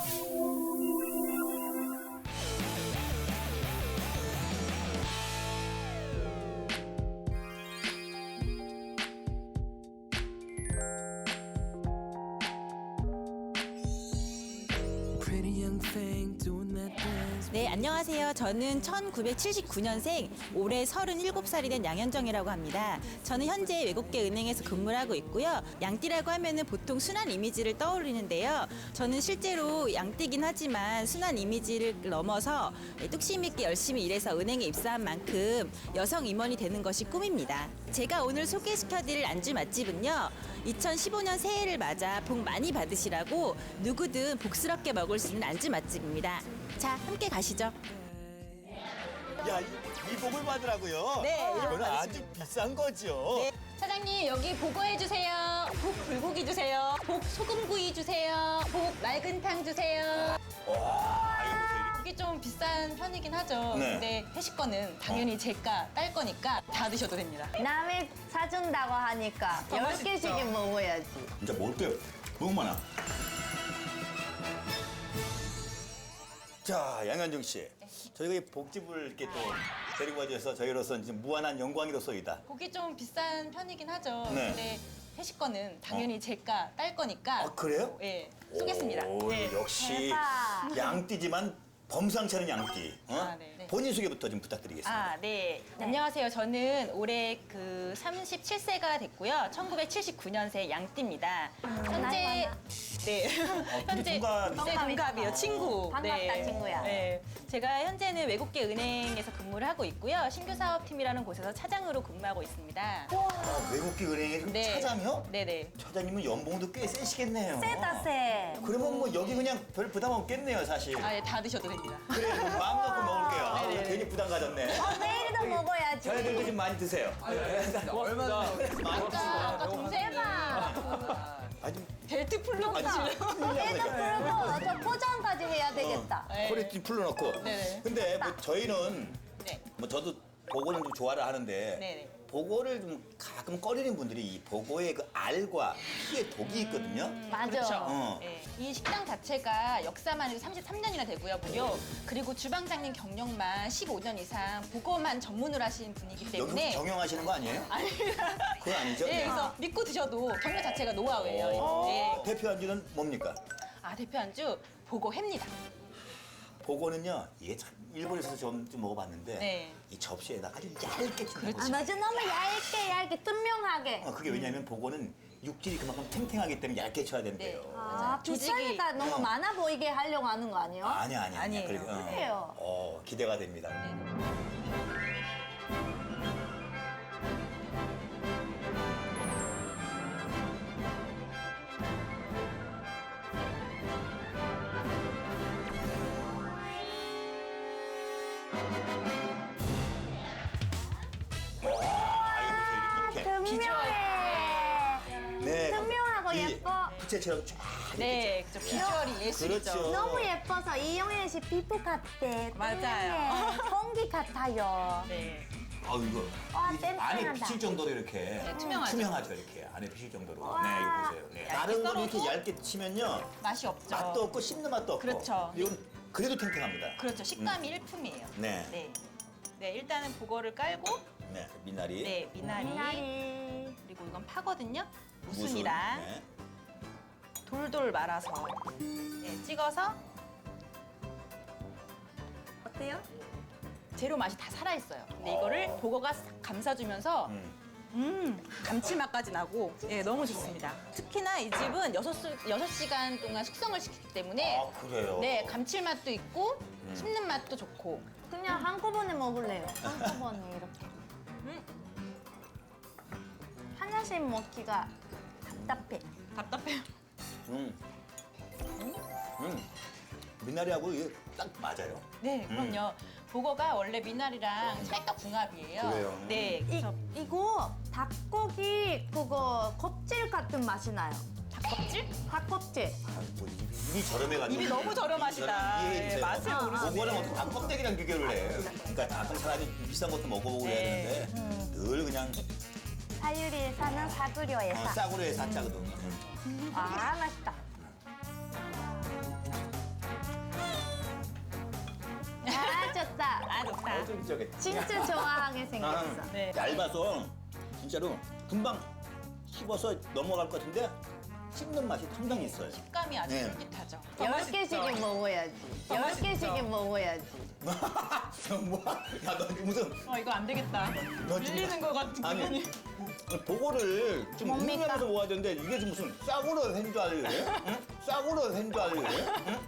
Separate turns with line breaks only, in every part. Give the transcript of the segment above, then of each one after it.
네, 안녕하세요. 저는 1979년생, 올해 37살이 된 양현정이라고 합니다. 저는 현재 외국계 은행에서 근무를 하고 있고요. 양띠라고 하면은 보통 순한 이미지를 떠올리는데요. 저는 실제로 양띠긴 하지만 순한 이미지를 넘어서 뚝심 있게 열심히 일해서 은행에 입사한 만큼 여성 임원이 되는 것이 꿈입니다. 제가 오늘 소개시켜드릴 안주 맛집은요, 2015년 새해를 맞아 복 많이 받으시라고 누구든 복스럽게 먹을 수 있는 안주 맛집입니다. 자, 함께 가시죠.
야, 이 복을 받으라고요?
네, 이런
이거는 아주 비싼 거죠.
네. 사장님, 여기 보고해 주세요. 복 불고기 주세요. 복 소금구이 주세요. 복 맑은탕 주세요.
와, 이거 보세요.
이게 좀 비싼 편이긴 하죠.
네.
근데 회식 거는 당연히 제가 딸 거니까 다 드셔도 됩니다.
남이 사준다고 하니까
더
10개씩은 먹어야지.
진짜 먹을게요. 너무 많아. 자, 양현정 씨. 저희가 이 복집을 이렇게 또 데리고 와주셔서 저희로서 이제 무한한 영광이로서이다.
복이 좀 비싼 편이긴 하죠.
네.
근데 회식 거는 당연히 제가 딸 거니까.
아, 그래요?
예, 쏘겠습니다.
오,
네.
역시
대박.
양띠지만 범상치 않은 양띠. 어?
아, 네. 네.
본인 소개부터 좀 부탁드리겠습니다.
아, 네. 안녕하세요. 저는 올해 37세가 됐고요. 1979년생 양띠입니다. 현재 네.
근데 동갑이세요?
네, 동갑이요. 친구.
반갑다, 친구야.
네. 제가 현재는 외국계 은행에서 근무를 하고 있고요. 신규 사업팀이라는 곳에서 차장으로 근무하고 있습니다.
아, 외국계 은행에
네.
차장이요?
네네.
차장님은 연봉도 꽤 세시겠네요.
세다 세.
그러면 뭐 여기 그냥 별 부담 없겠네요, 사실.
아, 예, 다 드셔도 됩니다.
그래, 그럼 마음 놓고 먹을게요. 아,
네네네.
괜히 부담 가졌네.
내일도 먹어야지.
저희들도 좀 많이 드세요.
얼마나
아까 동생이
대박.
아주
벨트 풀로 가시려고.
얘도 풀고 저 포장까지 해야 되겠다.
네.
허리 좀 풀어놓고.
네네.
근데 뭐 저희는
네.
뭐 저도 보고는 좀 좋아를 하는데
네네.
보고를 좀 가끔 꺼리는 분들이 이 보고의 그 알과 피의 독이 있거든요.
맞아.
그렇죠.
어.
네. 이 식당 자체가 역사만 해도 33년이나 되고요, 무려. 그리고 주방장님 경력만 15년 이상 보고만 전문으로 하신 분이기
여기서
때문에.
경영하시는 거 아니에요?
아니.
그건 아니죠?
네, 그래서 믿고 드셔도 경력 자체가 노하우예요. 네.
대표 안주는 뭡니까?
아, 대표 안주 보고 회입니다.
보고는요, 이게 참 일본에서 좀 먹어봤는데
네.
이 접시에다가 아주 얇게 좀
아 맞아 너무 얇게 투명하게.
그게 왜냐면 보고는 육질이 그만큼 탱탱하기 때문에 얇게 쳐야 된대요.
네.
아
조직이-
비싸니까 너무 많아 보이게 하려고 하는 거 아니에요?
아니야.
아니에요.
그래요.
기대가 됩니다.
투명해.
네.
투명하고
이
예뻐.
부채처럼 쫙.
네, 그죠. 비주얼이 예술이죠.
그렇죠.
너무 예뻐서 이영애 씨 피부 같대.
맞아요.
투명해. 공기 같아요.
네.
이거
와,
이 안에
땡땡하다.
비칠 정도로 이렇게
투명하죠.
이렇게 안에 비칠 정도로.
와.
네, 이거 보세요. 네.
얇게
다른 거 이렇게
썰어도
얇게 치면요
맛이 없죠.
맛도 없고 씹는 맛도 없고.
그렇죠.
이건 그래도 탱탱합니다.
그렇죠. 식감이 일품이에요.
네.
네. 네, 일단은 보거를 깔고,
네, 미나리.
네, 미나리.
미나리.
그리고 이건 파거든요.
무순.
무순이랑
네.
돌돌 말아서 네, 찍어서
어때요?
재료 맛이 다 살아있어요. 근데 이거를 보거가 싹 감싸주면서 감칠맛까지 나고 네, 너무 좋습니다. 특히나 이 집은 6시간 동안 숙성을 시키기 때문에
아, 그래요?
네, 감칠맛도 있고 씹는 맛도 좋고
그냥 한꺼번에 먹을래요. 한꺼번에 이렇게. 하나씩 먹기가 답답해.
답답해요.
미나리하고 이게 딱 맞아요.
네, 그럼요. 보거가 원래 미나리랑 찰떡궁합이에요.
그래요?
네, 그래서
이거 닭고기 그거 껍질 같은 맛이 나요.
닭껍질?
닭껍질.
뭐 입이 저렴해가지고.
입이 너무 저렴하시다.
이해해주세요.
네, 맛을 모르시네.
그거랑 어떻게 닭 껍데기랑 비교를 해. 그러니까 가끔 차라리 비싼 것도 먹어보고 그래야
네.
되는데 늘 그냥
사유리에 사는 사구려에서.
싸구려에 사짜거든.
아 맛있다. 진짜.
쫄깃쫄깃.
진짜 좋아하게 생겼어.
네.
얇아서 진짜로 금방 씹어서 넘어갈 것 같은데 씹는 맛이 상당히 있어요.
식감이 아주
네.
쫄깃하죠.
10개씩은 먹어야지. 10개씩은 먹어야지.
뭐야? 야, 너 무슨
이거 안 되겠다.
너 지금-
밀리는 것 같은
아니
기분이.
보고를 좀
뭡니까?
흥미하면서 모아야 되는데 이게 지금 무슨 싸구려 한 줄 알래? 응? 싸구려 한 줄 알래? 응?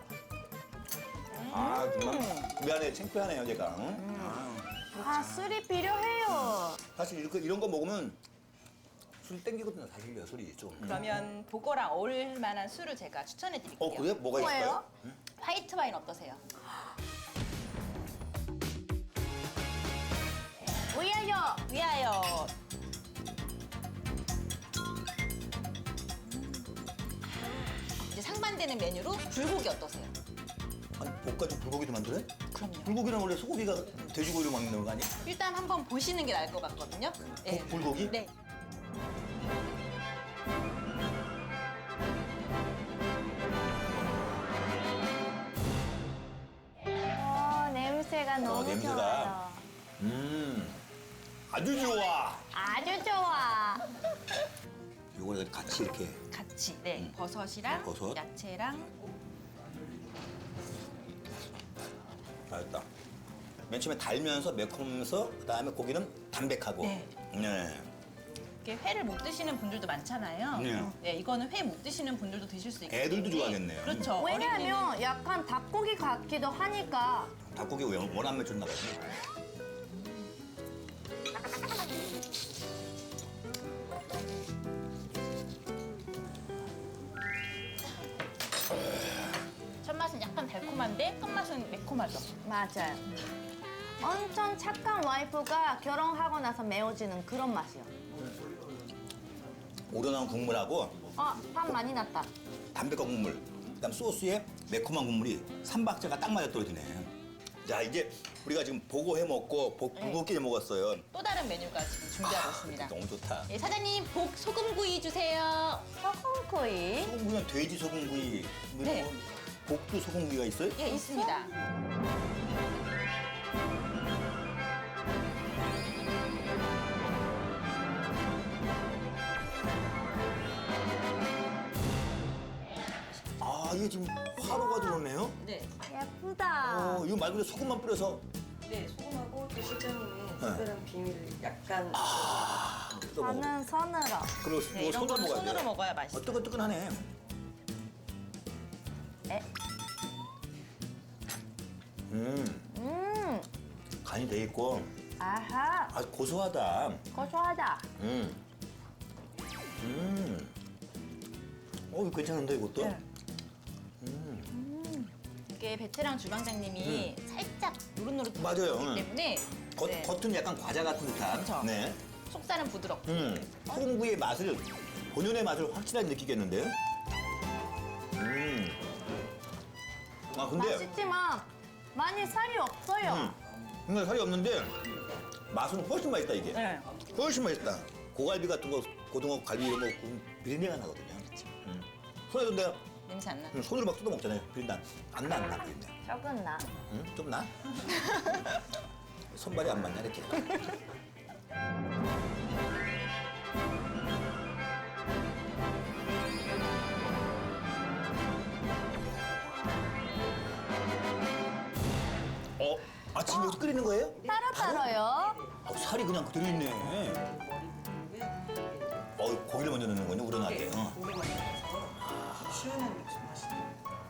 아 정말 미안해 창피하네요 제가. 응?
아, 술이 필요해요.
사실 이런 거 먹으면 술 땡기거든요 사실요 술이 좀.
그러면 보거랑 어울릴 만한 술을 제가 추천해 드릴게요.
그래? 뭐가
뭐예요?
있을까요?
화이트 와인 어떠세요?
위하여.
위하여. 이제 상반되는 메뉴로 불고기 어떠세요?
아니 볶아준 불고기도 만들어요?
그럼요.
불고기는 원래 소고기가 돼지고기로 만드는 거 아니야?
일단 한번 보시는 게 나을 것 같거든요. 네.
불고기?
네.
냄새가 너무
냄새가.
좋아요.
아주 좋아.
아주 좋아.
요거를 같이 이렇게
같이 네 버섯이랑
버섯.
야채랑
맛있다. 맨 처음에 달면서 매콤하면서 그다음에 고기는 담백하고.
네.
네.
이렇게 회를 못 드시는 분들도 많잖아요.
네.
네, 이거는 회 못 드시는 분들도 드실 수 있고.
애들도 좋아하겠네요.
그렇죠.
왜냐면 약간 닭고기 같기도 하니까.
닭고기 원한 매출 나가지.
첫 맛은 약간 달콤한데 끝맛은 매콤하죠.
맞아요. 엄청 착한 와이프가 결혼하고 나서 매워지는 그런 맛이요.
우러나온 국물하고
밥 많이 났다.
담백한 국물, 그다음 소스에 매콤한 국물이 삼박자가 딱 맞아 떨어지네. 자 이제 우리가 지금 보고 해 먹고 불고기 해 먹었어요.
또 다른 메뉴가 지금 준비하고 있습니다.
너무 좋다.
네, 사장님 복 소금구이 주세요.
소금구이.
소금구이는 돼지 소금구이,
네.
복두 소금구이가 있어요?
예, 있습니다.
아 이게 지금 화로가 들어오네요.
네.
예쁘다.
이거 말 그대로 소금만 뿌려서
네, 소금하고 또 실장님의 특별한 비밀을 약간
뜯어 먹어.
저는 손으로.
그리고
네,
이거
이런
손으로
거는
먹어야 돼.
손으로 먹어야 맛있어요.
뜨끈뜨끈하네.
에?
간이 돼 있고
아하.
아주 고소하다.
고소하다.
이거 괜찮은데 이것도?
네.
이게 베테랑 주방장님이 살짝 노릇노릇
맞아요.
하기 때문에 네,
겉은 약간 과자 같은 듯한.
그쵸.
네.
속살은 부드럽고
소금구이의 맛을 본연의 맛을 확실하게 느끼겠는데요? 아 근데
맛있지만 많이 살이 없어요.
근데 살이 없는데 맛은 훨씬 맛있다 이게.
네.
훨씬 맛있다. 고갈비 같은 거, 고등어 갈비 이런 거 구우면 비린내가 나거든요. 손에도 내가
냄새 안 나.
손으로 막 뜯어 먹잖아요. 비린내 안 나 비린내.
조금 나.
좀 나? 손발이 안 맞냐 이렇게. 지금 여기서 끓이는 거예요?
따로따로요.
살이 그냥 그대로 있네. 고기를 먼저 넣는 거냐, 우러나게.
시원한 맥주 마시는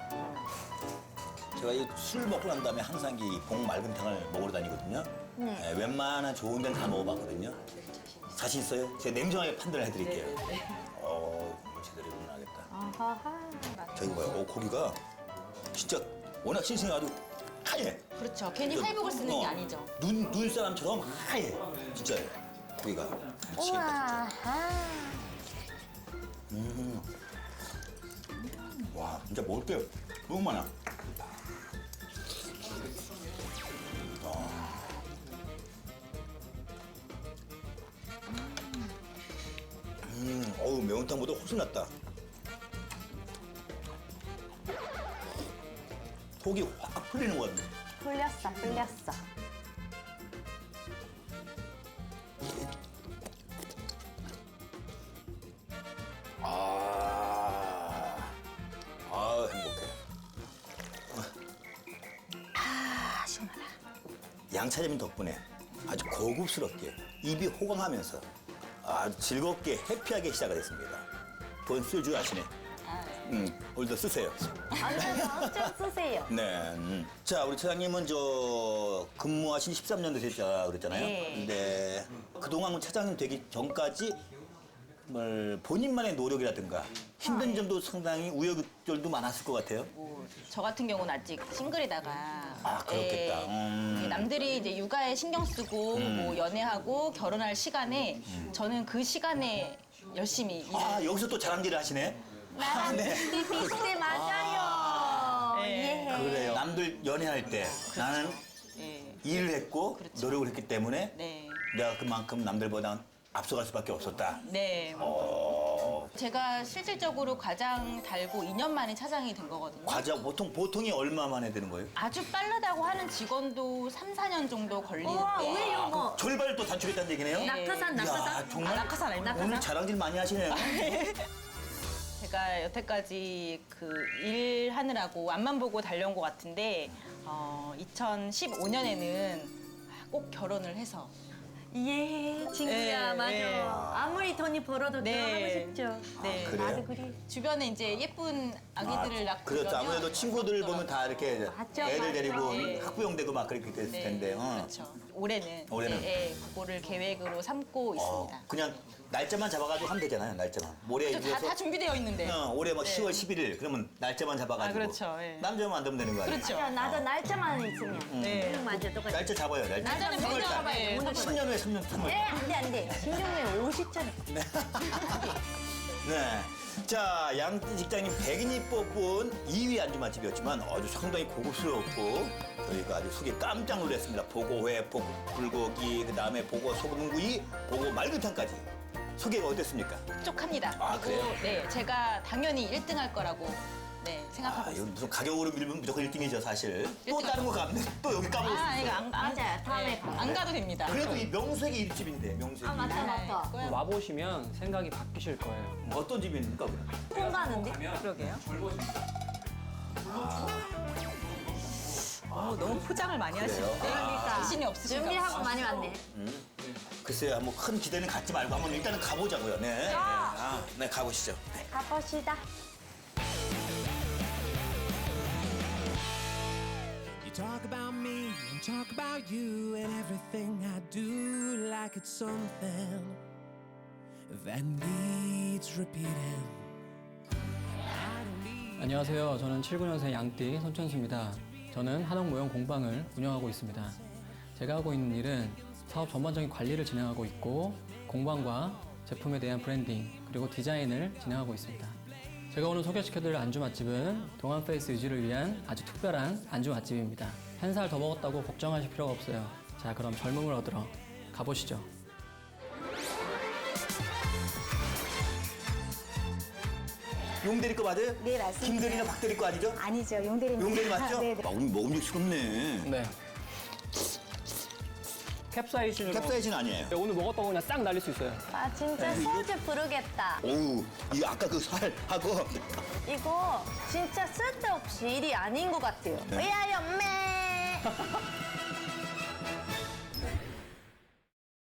제가 이 술 먹고 난 다음에 항상 이 봉 맑은탕을 먹으러 다니거든요. 네, 웬만한 좋은 데는 다 먹어봤거든요. 자신 있어요? 제가 냉정하게 판단을 해드릴게요. 제대로 일어나겠다.
아하하.
자, 이거 봐요. 고기가 진짜 워낙 싱싱해가지고 하얘.
그렇죠. 괜히 살복을 쓰는 게 아니죠.
눈사람처럼 하얘. 진짜요. 고기가. 미치겠다.
우와.
와, 진짜 먹을 게 너무 많아. 매운탕보다 훨씬 낫다. 속이 확 풀리는 것 같네.
풀렸어, 풀렸어.
양차장님 덕분에 아주 고급스럽게 입이 호강하면서 아주 즐겁게 해피하게 시작을 했습니다. 본 쓸 줄 아시네. 오늘도 쓰세요.
엄청 쓰세요.
네. 자, 우리 차장님은 저 근무하신 13년 되셨다 그랬잖아요.
네.
근데 그동안 차장님 되기 전까지 뭘 본인만의 노력이라든가 힘든 점도 상당히 우여곡절도 많았을 것 같아요.
저 같은 경우는 아직 싱글이다가
아, 그렇겠다.
예, 남들이 이제 육아에 신경 쓰고 뭐 연애하고 결혼할 시간에 저는 그 시간에 열심히 일을
아, 여기서 또 자랑질을 하시네. 아, 네.
비슷해 맞아요.
네.
이해해.
그래요. 남들 연애할 때 나는
예,
일을 했고
그렇죠.
노력을 했기 때문에
네.
내가 그만큼 남들보다 앞서갈 수밖에 없었다.
네. 제가 실질적으로 가장 달고 2년 만에 차장이 된 거거든요.
과자 보통이 얼마 만에 되는 거예요?
아주 빠르다고 하는 직원도 3, 4년 정도
우와,
걸리는데
왜요, 뭐?
절반을 또 단축했다는 얘기네요?
낙하산,
이야,
낙하산.
정말
낙하산 아닙니까?
오늘 자랑질 많이 하시네요.
제가 여태까지 그 일하느라고 앞만 보고 달려온 것 같은데 2015년에는 꼭 결혼을 해서
이해해, 친구야,
네,
맞아.
네.
아무리 돈이 벌어도
네.
결혼하고 싶죠.
네.
그래요?
나도 그래.
주변에 이제 예쁜 아기들을 낳고
그렇죠.
그러면
아무래도 친구들 보면 다 이렇게
맞죠,
애들
맞죠.
데리고
네.
학부형 되고 막 그렇게 됐을 텐데.
그렇죠. 올해는
올해는?
이제, 그거를 계획으로 삼고 있습니다.
그냥 날짜만 잡아가지고 하면 되잖아요. 날짜만. 모레
그렇죠. 다 준비되어 있는데.
올해 뭐 10월 11일 그러면 날짜만 잡아가지고.
아, 그렇죠. 예.
남자만 만들면 되는 거 아니에요?
그렇죠.
맞아, 나도 날짜만 있으면.
네.
맞아, 똑같아.
날짜 잡아요. 날짜.
날짜는
삼월
매년
달.
네,
오늘
10년 후에 3년 3월.
네, 안 돼. 신종에 50짜리.
네. 자, 양띠 직장인 100인이 뽑은 2위 안주 맛집이었지만 아주 상당히 고급스럽고 저희가 아주 속이 깜짝 놀랐습니다. 보고회, 불고기, 그다음에 보고 소금구이, 보고 말그탕까지. 소개가 어땠습니까?
촉촉합니다.
아,
그리고
그래요?
네, 제가 당연히 1등 할 거라고 생각하고
아, 이거
있습니다.
무슨 가격으로 밀면 무조건 1등이죠, 사실. 또
1등
다른 거 가면 또 여기 까먹을 수
아, 이거
있어요.
맞아요. 다음에 가.
안 가도 됩니다.
그래도 이 명색이 일집인데, 명색이.
아, 맞다, 맞다.
그거야.
와보시면 생각이 바뀌실 거예요.
어떤 집입니까, 그럼?
통 가는데?
그러게요. 너무 포장을 많이 하시는데
그러니까.
자신이 없으신가
준비하고
봐요.
많이 왔네.
글쎄요, 뭐 큰 기대는 갖지 말고 한번 일단은 가보자고요. 네. 네, 가보시죠. 네.
가봅시다.
You talk about me and talk about you and everything I do like it's something that needs repeating.
안녕하세요. 저는 79년생 양띠 손천수입니다. 저는 한옥 모형 공방을 운영하고 있습니다. 제가 하고 있는 일은 사업 전반적인 관리를 진행하고 있고 공방과 제품에 대한 브랜딩 그리고 디자인을 진행하고 있습니다. 제가 오늘 소개시켜드릴 안주 맛집은 동안 페이스 유지를 위한 아주 특별한 안주 맛집입니다. 한 살 더 먹었다고 걱정하실 필요가 없어요. 자, 그럼 젊음을 얻으러 가보시죠.
용대리 거 맞아요?
네, 맞습니다.
김대리나 박대리 거 아니죠?
아니죠, 용대리입니다.
용대리 맞죠?
네, 네.
먹음직스럽네.
네. 캡사이신으로
캡사이신 아니에요?
네, 오늘 먹었다고 그냥 싹 날릴 수 있어요.
아, 진짜 소주 부르겠다.
오우, 이 아까 그 살하고
이거 진짜 쓸데없이 일이 아닌 것 같아요.
네.
의아연매.